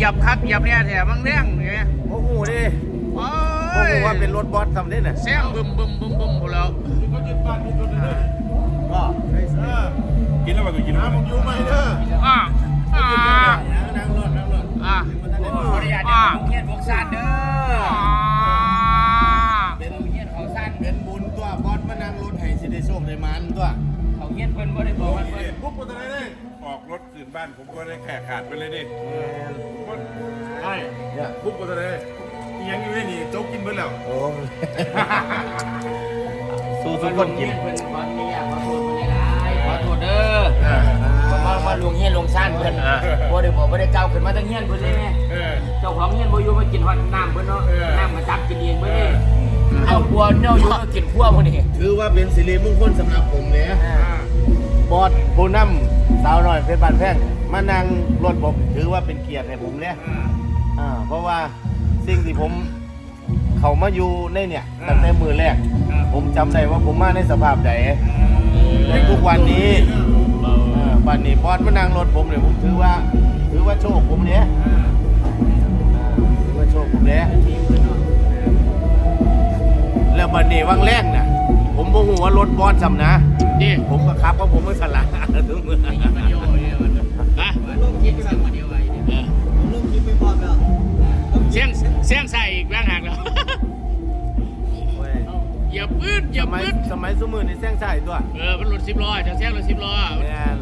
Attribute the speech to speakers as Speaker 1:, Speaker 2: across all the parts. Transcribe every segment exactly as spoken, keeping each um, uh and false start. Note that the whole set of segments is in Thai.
Speaker 1: บคักเหยียบเนี่ยแถมบางเรื่องเนี่ย
Speaker 2: โอ้โหดิโอ้
Speaker 1: โอ้ย
Speaker 2: โหว่าเป็นรถบอสทำได้น่ะ
Speaker 1: แซงบึมบึมบึมบึมหมดแล้ว
Speaker 3: เขายึดบ้านยึดรถเลย
Speaker 2: ก็เฮ้ย
Speaker 3: เออกินแล้วว่ากูกินน้ำมึงอยู่ไหมเด้อ
Speaker 1: อ่าอ่า
Speaker 2: นั่งรถนั่งรถ
Speaker 1: อ่า
Speaker 4: ขออนุญาตเดี๋ยวผมเฮียนพวกสั้นเด้อ
Speaker 2: เป็น
Speaker 4: เฮียนเขาสั้น
Speaker 2: เป็นบุญตัวบอสมานั่งรถให้สิได้โชคได้มันตัว
Speaker 4: เขาเฮียนเพิ่นบ่ได้บอกว่าเพิ่น
Speaker 3: พวกกูจะได้เลยออกรถตื่นบ้านผมก็ได้แขกขาดไปเลยดิใช่พวกกูจะได้ยังอยู่ในนี่โจ๊กกินเบิดแล้ว
Speaker 2: โอ้สู้ทุกคนกิน
Speaker 4: เพิ่นขออนุญาตขอโทษเพิ่นหลายๆขอโทษเด้อมามาลงเฮียนลงสั้นเพิ่นบ่ได้บอกบ่ได้เก่าขึ้นมาตั้งเฮียนเพิ่นเลยแม่
Speaker 3: เออ
Speaker 4: เจ้าของเฮียนบ่อยู่มากินฮอดน้ำเพิ่นเนาะน้ำมาจับกินเองเพิ่นนี่เอาบัวเน่าอยู่ก็กินคั่วพุ่นนี่
Speaker 2: ถือว่าเป็นสิริมงคลสำหรับผมเลยบอสผู้นำสาวน้อยเพชรบ้านแพงมานั่งรถผมถือว่าเป็นเกียรติให้ผมเนี่ยอ่าเพราะว่าสิ่งที่ผมเขามาอยู่ในเนี่ยตั้งแต่มือแรก ผมจำได้ว่าผมมาในสภาพใดในทุกวันนี้อ่าวันนี้บอสมานั่งรถผมเนี่ยผมถือว่าถือว่าโชคผมเนี่ยอ่าถือว่าโชคผมเนี่ยแล้วบันนี้วังแรกน่ะผมโมโหว่ารถบอสจำนะ
Speaker 1: ดิ
Speaker 2: ผมก็ขับเพราะผมไม่สละทุกเมื่อ
Speaker 1: ฮะ
Speaker 4: ลงคิดกันมาเดียวไว้
Speaker 1: เออเสียงเสียงใส่อีกแรงหักแล้วอย่าปื้ดอย่า
Speaker 2: สมัย
Speaker 1: ปื้ด
Speaker 2: สมัยสมือในแซงใส่ตัว
Speaker 1: เออมันหลุดสิบล้อจะแซงหลุดสิบล้อ
Speaker 2: แม่น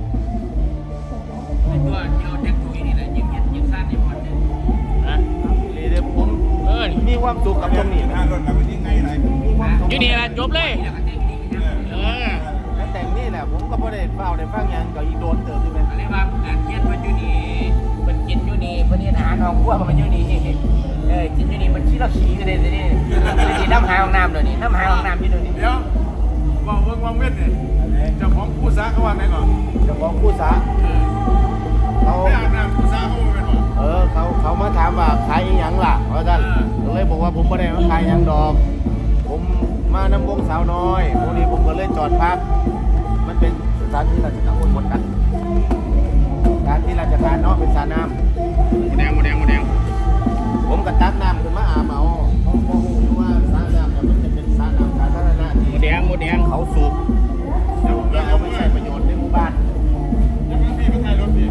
Speaker 4: ไอ้ตัวที่เราแต่งตัวนี่แหละยิงเห็นยิงสั้นในพอดเนี่ย
Speaker 1: ฮะ
Speaker 2: นี่เดี๋ยวผม
Speaker 1: เออ
Speaker 2: มีความสุขกับตรงนี้
Speaker 3: หน้ารถเราไปยังไงไร
Speaker 2: มีความสุข
Speaker 1: อยู่นี่ละจบเลย
Speaker 4: นี่แหละก็แต่งดีนะ
Speaker 1: เออ
Speaker 2: แล้วแต่งนี่แหละผมก็บ่ได้เฝ้าได้ฟังหยังก็อีโดนเติมใช่ไหม
Speaker 4: อะไรว่าอันเฮียนเพิ่นอยู่นี่เพิ่นกินอยู่นี่เพิ่นเฮ็ดอาหารของครัวมันอยู่นี่เออกินอยู่นี่มันขี้เราขี้กันเลยสินี่นี่น้ำหาห้องน้ำเดี๋ยวนี้น้ำหาห้องน้ำอยู่เดี๋ยวนี้
Speaker 3: เดี๋ยวว่าเวิร์กวังเวทเนี่ยเจ้าของผู้ซาเขาว่าไงก่อน
Speaker 2: เจ้าของคู่สาเขา
Speaker 3: ไม่อาบน้ำผู้ซาเขาเป็นหรอ
Speaker 2: เออเขาเขามาถามว่าขายอีหยังล่ะเพราะท่านก็เลยบอกว่าผมบ่ได้มาขายหยังดอก ผมมานำวงสาวน้อยพวกนี้ผมก็เลยจอดพักมันเป็นสถานที่ราชการหมดกันสถานที่ราชการเนาะเป็นสระน้ำ
Speaker 1: หมูแดงหมูแดงหมูแดง
Speaker 2: ผมก็ตักน้ำขึ้นมาอาบเอาเขาบอกว่าสระน้ำเนี่ยมันจะเป็นสระน้ำสาธารณะ
Speaker 1: ห
Speaker 2: ที่
Speaker 1: มูแดงหมูแดง
Speaker 2: เขาสูบแล้วเอาไปใช้ประโยชน์ในหมู่บ้าน
Speaker 3: แล้วพี่ก็ถ่ายรถพี่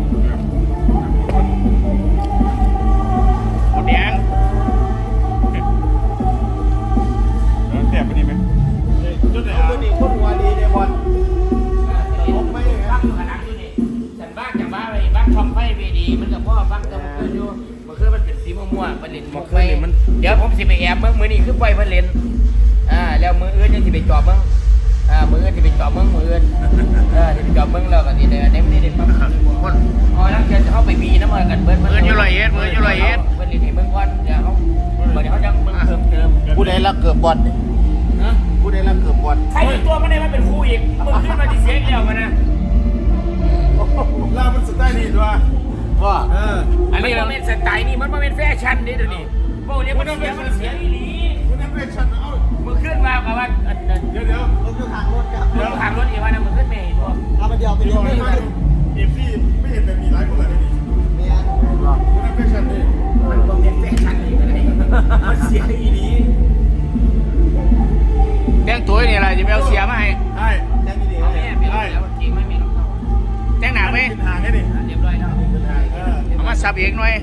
Speaker 1: หมูแดง
Speaker 3: แสบไปนี่ไหมจุดไหน
Speaker 2: เอาตัวนี้คนหัวดีเลยบอล
Speaker 4: ผมไม่ฟังอยู่ขนาดอยู่นี่ฉันบ้านจากบ้านไปบ้านช่องไฟเวดีมันกับพ่อฟังแต่มันคืออยู่มันคือมันเป็นสีม่วงๆมันเล่นหมกไฟเดี๋ยวผมสิไปแอบเมื่อมือนี่คือปล่อยเพิ่นเล่นอ่าแล้วมืออื่นยังสิไปจอบเบิ่งอ่ามืออื่นสิไปจอบเบิ่งมืออื่นเออสิไปจอบเบิ่งแล้วก็สิได้ได้ไม่ได้ปั๊บคนอ๋อแล้วเดี๋ยวจะเข้าไปบีน้ำมันกันเบิ่ง
Speaker 1: มืออยู่ลอยเอ็ดมืออยู่ลอยเอ็ด
Speaker 4: เพิ่นเล่นให้เบิ่งก่อนเดี๋ยวเขาเดี๋ยวเขาจะเบิ่งเพิ่มเติม
Speaker 2: ผู้ใดรักเกือบบอลเนี่ย
Speaker 4: นะ
Speaker 2: ผู้ใดรักเกือบบอล
Speaker 4: ใครตัวมันได้มาเป็นคู่อีกมึงขึ้นมาที่เสียงเดียวกันนะ
Speaker 3: ลามันสไตล์นี่ตัว
Speaker 2: ว่า
Speaker 3: เออ
Speaker 1: อัน
Speaker 4: มัน
Speaker 1: นี้เรา
Speaker 4: เป็นสไตล์นี่มันเป็นแฟชั่นนี่เดี๋ยวนี้พวกนี้มันเสียมันเสียอีหลี
Speaker 3: คุณนั่นเป็นฉันเอา
Speaker 4: มึงขึ้นมากับว่า
Speaker 3: เดี๋ยวเดี๋ยว
Speaker 2: รถอยู่ทางรถครับ
Speaker 4: มึงทางรถอีกวันนะมึงขึ้นไม่เห็นตัว
Speaker 2: เอามาเดียวไป
Speaker 3: พี่
Speaker 2: เดี
Speaker 3: บ
Speaker 2: ย
Speaker 3: อ
Speaker 2: ว
Speaker 3: ก
Speaker 2: ไม่
Speaker 3: ให้
Speaker 2: ได้
Speaker 3: มาเอฟซีไม่เห็นแบบมีหลายคนเลยนี่
Speaker 2: เนี่ย
Speaker 3: คุณนั่นเป็นฉันดิ
Speaker 4: มันต้องเป็นแฟชั่นอีกอะไรมันเสียอีหลี
Speaker 1: แดงตัวนี่อะไรจะไปเอาเสียมาให้
Speaker 3: ใช่
Speaker 2: แจ้งดี
Speaker 4: เอาแม่เปลี่ยนแล้วจริงไม่มีรองเท้า
Speaker 1: แดงหนักไหม
Speaker 3: กินหางแค่นี้
Speaker 4: เรียบร้อยแล้ว
Speaker 3: เออ
Speaker 1: เอามาสับเองหน่อย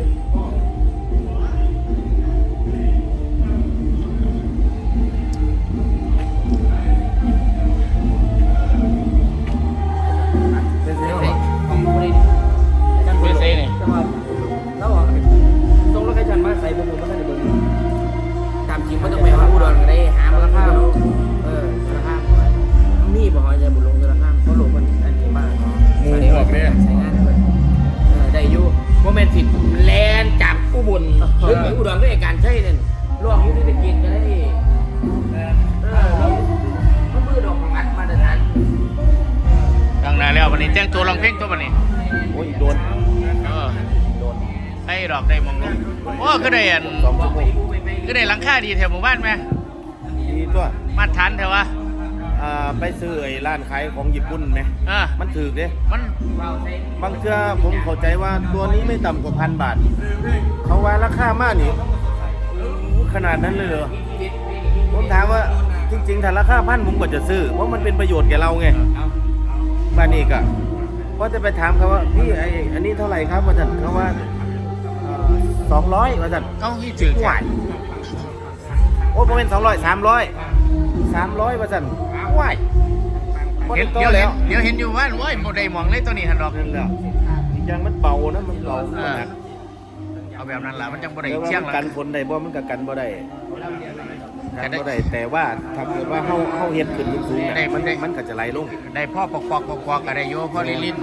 Speaker 2: เป็นเสียง
Speaker 4: ของคนนี้
Speaker 1: เบสเซ่นี่
Speaker 4: จะมาแล้วอ่ะตรงรถใครชันมาใส่ผมผมก็ท่านเบิ่งตามจริงมันต้องไปหาอุดรกันได้หามูลค่าเออมูลค่ามีบ่หอยจะบุลงมูลค่าเพราะหลวงมันอันนี้มากเนาะใช้งานเลยเออได้อยู่โมเมนต์สิแลนจากอุบลหรือไปอุดรด้วยการใช่เนี่ยล่วงอยู่ที่ตะกินก็ได้เออเราเขามือดอกของอัดมาตรฐาน
Speaker 1: ตั้งนานแล้ววันนี้แจ้งตัวลองเพลงตัววันนี้
Speaker 2: โอ้ยโดน
Speaker 1: เออ
Speaker 2: โดน
Speaker 1: ให้ดอกได้มองลงโอ้ก็ได้อัน
Speaker 2: สองชั่วโมง
Speaker 1: ก็ได้หลังคาดีแถวหมู่บ้านไหม
Speaker 2: ดีตัว
Speaker 1: มาตรฐานแถววะ
Speaker 2: คอ่าไปซื้อไอ้ร้านขายของญี่ปุ่นไหม
Speaker 1: อ่า
Speaker 2: มันถูกเด้
Speaker 1: มัน
Speaker 2: บางเทื่อผมเข้าใจว่าตัวนี้ไม่ต่ำกว่าพันบาท เขาว่าราคามากนี่ขนาดนั้นเลยเหรอผมถามว่าจริงๆถ้าราคาพันผมก็จะซื้อเพราะมันเป็นประโยชน์แก่เราไงบ้านนี้ก็ก็จะไปถามเขาว่าพี่ไออันนี้เท่าไหร่ครับว่าท่านเขาว่าสองร้อยว่าท่าน
Speaker 1: เขาให้จืด
Speaker 2: หวานโอ้ผมเป็นสองร้อยสามร้อยสามร้อยว่าท่านว้ายบ่
Speaker 1: เห็
Speaker 2: ได้
Speaker 1: น
Speaker 2: โต
Speaker 1: เดี๋ยวเห็
Speaker 2: แล้
Speaker 1: น
Speaker 2: ว
Speaker 1: เดี๋ยวเห็นอยู่ว่าโอ้ยโมได้มองเลยตัวนี้หันดอก
Speaker 2: นั่นแหละอีกอย่างมันเบานะมันเบา
Speaker 1: เออ
Speaker 2: หนัก
Speaker 1: เอาแบบนั้นล่ะมันจังบ่ได้
Speaker 2: แต่ว่า
Speaker 1: เชี่ยง
Speaker 2: มัน
Speaker 1: ละ
Speaker 2: กันฝนได้บ่มันก็กันบ่ได้
Speaker 1: กั
Speaker 2: กัน
Speaker 1: นได้
Speaker 2: บ่ได้แต่ว่าถ้าเกิดว่าเฮาเฮาเฮ็ดขึ้นสูงๆ
Speaker 1: ได้
Speaker 2: เนี่ย
Speaker 1: มั
Speaker 2: มัน น
Speaker 1: ได้
Speaker 2: มันก็จะไหลลง
Speaker 1: ได้พ่อปอกปอกปอกปอกก็ได้โยพ่อลิลิน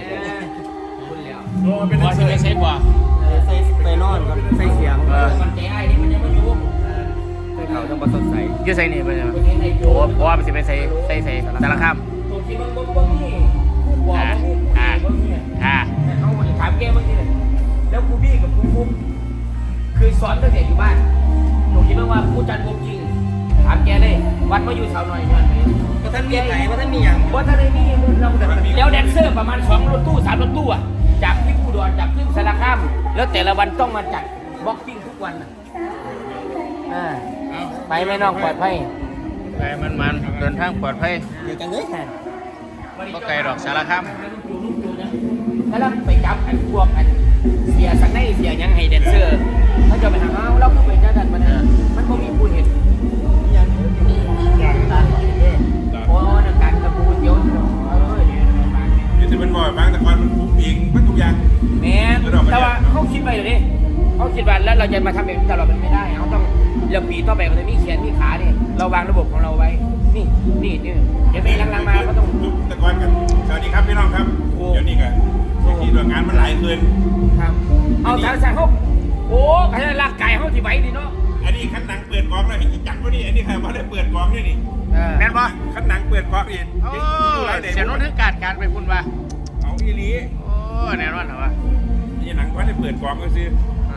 Speaker 3: โอ้เป็น
Speaker 1: พ่อสิไปใช้บ่
Speaker 4: ใส่ไปนอนครับใส่เสียง
Speaker 1: เออ
Speaker 4: มันใจไอ้นี่มันยังไม่อยู่ใส่เขาต้องประสดใส
Speaker 1: อยู่ใส่นี่ไปใช่ไหมโอ้เพราะว่ามันสิไปใส่ใส่ใส่สารคาม
Speaker 4: ตัวที่มันบ่มีผู้บอกว่ามีผู้บ่มี
Speaker 1: อ่า
Speaker 4: เอาถามแกเมื่อกี้เลยแล้วครูบี้กับครูฟุ๊กคือสอนตั้งแต่อยู่บ้านหนูคิดว่าผู้จัดวงจริงถามแกเลยวัดมาอยู่สาวหน่อยย้อนไปว่าท่านมีไหนว่าท่านมีอย่างว่าท่านได้มีเราแล้วแดนเซอร์ประมาณสองรถตู้สามรถตู้อ่ะจากที่ผู้ดอนจากที่สารคามแล้วแต่ละวันต้องมาจัดบ็อกกิ้งทุกวันอ่าไปไหมน้องปลอดภัย
Speaker 1: ไปมันมันเดินทางปลอดภัย
Speaker 4: เดี๋ยวกันเลยค่ะ
Speaker 1: ก็ไกลดอกสารคาม
Speaker 4: แล้วไปจับอันพวกอันเสียสักในเสียยังให้แดนเซอร์เขาจะไปหาเอาเราก็ไปจ้าดันมันนะมันก็มีผู้เห็นยัง
Speaker 3: อย่างตาเออ
Speaker 4: โอ้นักการกระปูเดียวเออ
Speaker 3: นี่จะเป็นบ่อยบางแต่ก่อนมันคุกเองมันทุกอย่าง
Speaker 4: แม่แต่ว่าเขาคิดไปเลยดิเขาคิดว่าแล้วเราจะมาทำแบบนี้ตลอดมันไม่ได้เขาต้องเรื่องปีต่อไปมันจะมีเขียนมีขาเนี่ยเราวางระบบของเราไว้นี่นี่นี่เดี๋ยวไปลังๆมาก็ต้อง
Speaker 3: แต่ก่อนกันสวัสดีครับพี่น้องครับเดี๋ยวนี้กันที่ดวงงานมันหลายเกิน
Speaker 4: ครับเอาทางสายเขาโอ้ขนาดร่างกายเขาที่ไหวดีเนาะ
Speaker 3: อันนี้ขั้นหนังเปิดกองแล้วเห็นจังวะนี่อันนี้ใครว่าได้เปิดกองนี่นี่
Speaker 1: แม่นบ่
Speaker 3: ขั้นหนังเปิดกองนี่
Speaker 1: โอ้เสียโน้ตถึงการการไปพุ่นว่า
Speaker 3: เอาอีหลี
Speaker 1: โอ้แน่นอนเหรอวะ
Speaker 3: นี่หนังว่าได้เปิดกองก็ซื้อ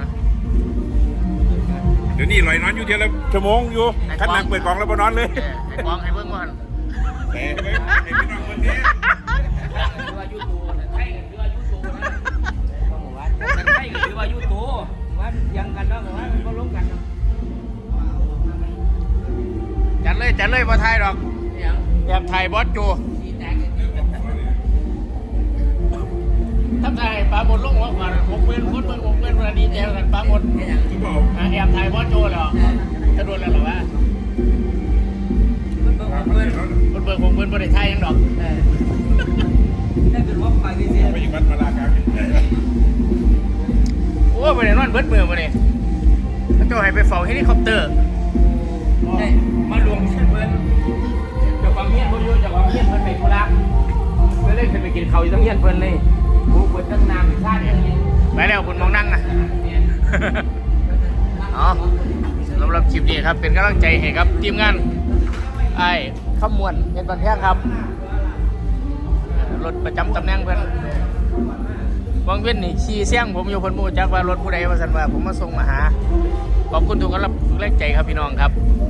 Speaker 3: เดี๋ยวนี้ลอยนอนอยู่เดียวละชั่วโมงอยู่ขั้นหนังเปิดกองแล้วบ่นอนเลย
Speaker 1: ไอ้กองให้เบิ่งก่อน
Speaker 3: แต่ไอ้พี่น้องคนนี้
Speaker 4: คือว่ายูทูใช่คือว่ายูทูนะใช่คือว่ายูทูว่ายังกันเนาะว่ามันก็ล้มกันเนาะ
Speaker 1: จัดเลยจัดเลยบ่ทายดอก
Speaker 4: ยัง
Speaker 1: แอบถ่ายบอสโจ
Speaker 4: สีแตก
Speaker 1: ถ้าถ่ายปลาหมดลงหัวขวานหกหมื่นคนเบิ่งหกหมื่นวันดีใจกันปลาหมด
Speaker 3: ที่บอก
Speaker 1: แอบถ่ายบอสโจเหรอจะโดนแล้วเหรอวะ
Speaker 4: มันเบิ่งเบิ่ง
Speaker 1: คนเบิ่งหกหมื่นบ่ได้ถ่ายยังดอก
Speaker 4: เออถ้าเป็นว่าไปที่เสีย
Speaker 3: ไปอยู่วัดมาลากลาง
Speaker 1: โอ้บ่ได้นอนเบิดมือบ่นี่พระเจ้าให้ไปเฝ้าเฮลิคอปเตอร์
Speaker 4: ได้มารวมเพื่อนเพื่อนเจ้าความเฮียนเพื่อนอยู่เจ้าความเฮียนเพื่อนไปธุระเพื่อนเลยขึ้นไปกินข้าวอยู่ต้องเฮียนเพื่อนเลยผู้เพื่อนตั้งนานชาติอย่างนี้
Speaker 1: ไปแล้วคุณมองนั่งนะ อ๋อสำหรับคลิปนี้ครับเป็นกำลังใจให้ครับทีมงานไอ้ข้ามวนเป็นบันแท่งครับรถประจำตำแหน่งเพื่อนวังเว้นนี่ขี่เสี่ยงผมอยู่คนหมู่จักว่ารถผู้ใดว่าสันว่าผมมาส่งมาหาขอบคุณทุกกำลังแรงใจครับพี่น้องครับ